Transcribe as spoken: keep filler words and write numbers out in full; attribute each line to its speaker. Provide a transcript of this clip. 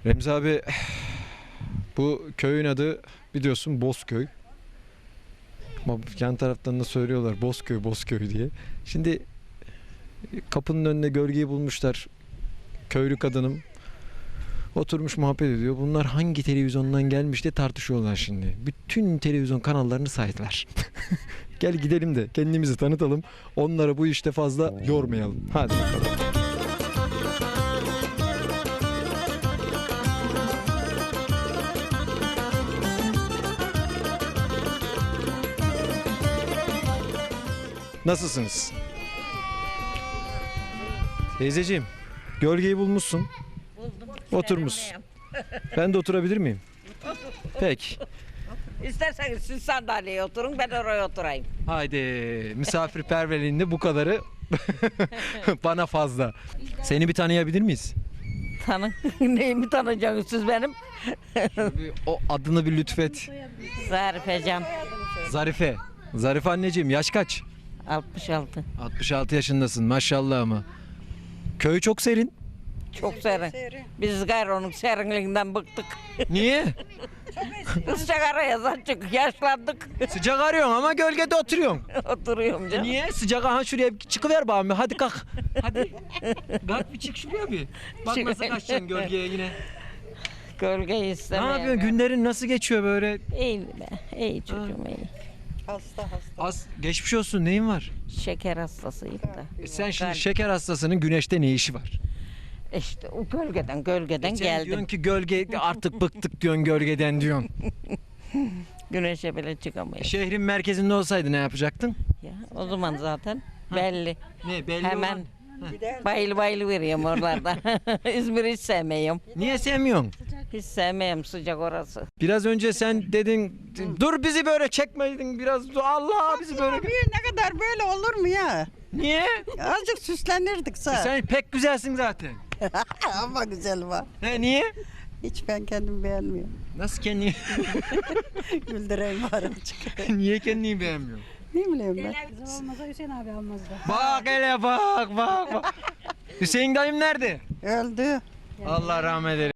Speaker 1: Remzi abi, bu köyün adı biliyorsun Bozköy. Ama yan taraftan da söylüyorlar Bozköy Bozköy diye. Şimdi kapının önüne gölgeyi bulmuşlar. Köylü kadınım oturmuş muhabbet ediyor. Bunlar hangi televizyondan gelmiş diye tartışıyorlar şimdi. Bütün televizyon kanallarını saydılar. Gel gidelim de kendimizi tanıtalım. Onları bu işte fazla yormayalım. Hadi bakalım. Nasılsınız? Teyzeciğim, gölgeyi bulmuşsun.
Speaker 2: Buldum.
Speaker 1: Oturmuşsun. Ben de oturabilir miyim? Peki.
Speaker 2: İsterseniz siz sandalyeye oturun, ben oraya oturayım.
Speaker 1: Haydi, misafirperverliğinde bu kadarı bana fazla. Seni bir tanıyabilir miyiz?
Speaker 2: Tanın. Neyimi tanıyacaksınız siz benim?
Speaker 1: Bir o adını bir lütfet.
Speaker 2: Zarife Can.
Speaker 1: Zarife. Zarife anneciğim, yaş kaç?
Speaker 2: altmış altı.
Speaker 1: altmış altı yaşındasın maşallah ama. Köy çok serin.
Speaker 2: Çok serin. Biz gayrı onun serinliğinden bıktık.
Speaker 1: Niye?
Speaker 2: Sıcak araya zaten yaşlandık.
Speaker 1: Sıcak arıyorsun ama gölgede oturuyorsun.
Speaker 2: Oturuyorum canım.
Speaker 1: Niye? Sıcak, aha şuraya bir çıkıver bana bir. Hadi kalk. Hadi. Kalk bir çık şuraya bir. Bak nasıl kaçacaksın gölgeye yine.
Speaker 2: Gölgeyi
Speaker 1: Ne
Speaker 2: istemiyorum.
Speaker 1: yapıyorsun? Günlerin nasıl geçiyor böyle?
Speaker 2: İyi be. İyi çocuğum iyi.
Speaker 3: Hasta hasta.
Speaker 1: Az geçmiş olsun. Neyin var?
Speaker 2: Şeker hastasıyım da.
Speaker 1: E sen şimdi
Speaker 2: Kalp.
Speaker 1: şeker hastasının güneşte ne işi var?
Speaker 2: İşte o gölgeden gölgeden
Speaker 1: E sen
Speaker 2: geldim.
Speaker 1: diyorsun ki gölge artık bıktık diyorsun gölgeden diyorsun.
Speaker 2: Güneşe bile
Speaker 1: E
Speaker 2: çıkamayız.
Speaker 1: şehrin merkezinde olsaydı ne yapacaktın?
Speaker 2: Ya, o zaman zaten belli.
Speaker 1: Ne belli
Speaker 2: Hemen
Speaker 1: olan-
Speaker 2: bayıl bayıl veriyorum oralarda. İzmir'i hiç sevmiyorum.
Speaker 1: Niye sevmiyorsun?
Speaker 2: Hiç sevmiyorum sıcak orası.
Speaker 1: Biraz önce sen dedin dur bizi böyle çekmeydin biraz Allah bizi böyle.
Speaker 3: Bir ne kadar böyle olur mu ya?
Speaker 1: Niye?
Speaker 3: Azıcık süslenirdik
Speaker 1: E
Speaker 3: sağ.
Speaker 1: sen pek güzelsin zaten.
Speaker 3: Ama güzel var.
Speaker 1: He niye?
Speaker 3: Hiç ben kendimi beğenmiyorum.
Speaker 1: Nasıl kendini
Speaker 3: Güldüreyim var azıcık.
Speaker 1: niye kendini beğenmiyorsun?
Speaker 3: Ne bileyim ben.
Speaker 4: Bizim olmasa Hüseyin abi almazdı.
Speaker 1: Bak hele bak bak bak. Hüseyin dayım nerede?
Speaker 3: Öldü.
Speaker 1: Allah rahmet eylesin.